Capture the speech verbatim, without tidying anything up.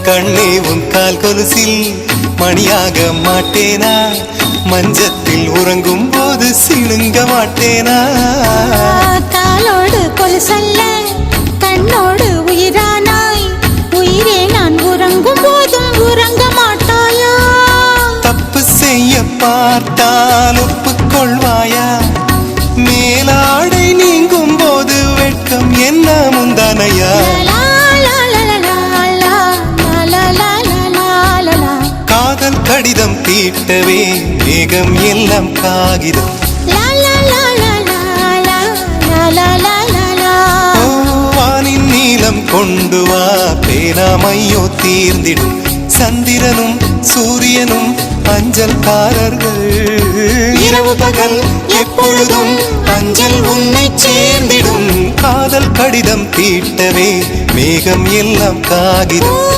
கண்ணே உன் கால் கொலுசில் மணியாக மாட்டேனா, மஞ்சத்தில் உறங்கும் போது சிணுங்க மாட்டேனா. காலோடு கொலுசல்ல கண்ணோடு உயிரானாய், உயிரே நான் உறங்கும் போதும் உறங்க மாட்டாயா. தப்பு செய்ய பார்த்தால் ஒப்புக்கொள்வாயா, மேலாடை நீங்கும் போது வெட்கம் என்ன முந்தானையா. காதல் கடிதம் தீட்டவே மேகம் எல்லாம் காகிதம், வானின் நீளம் கொண்டு வா பேனாமையோ தீர்ந்திடும். சந்திரனும் சூரியனும் அஞ்சல்காரர்கள், இரவு பகல் எப்பொழுதும் அஞ்சல் உன்னை சேர்ந்திடும். காதல் கடிதம் தீட்டவே மேகம் எல்லாம் காகிதம்.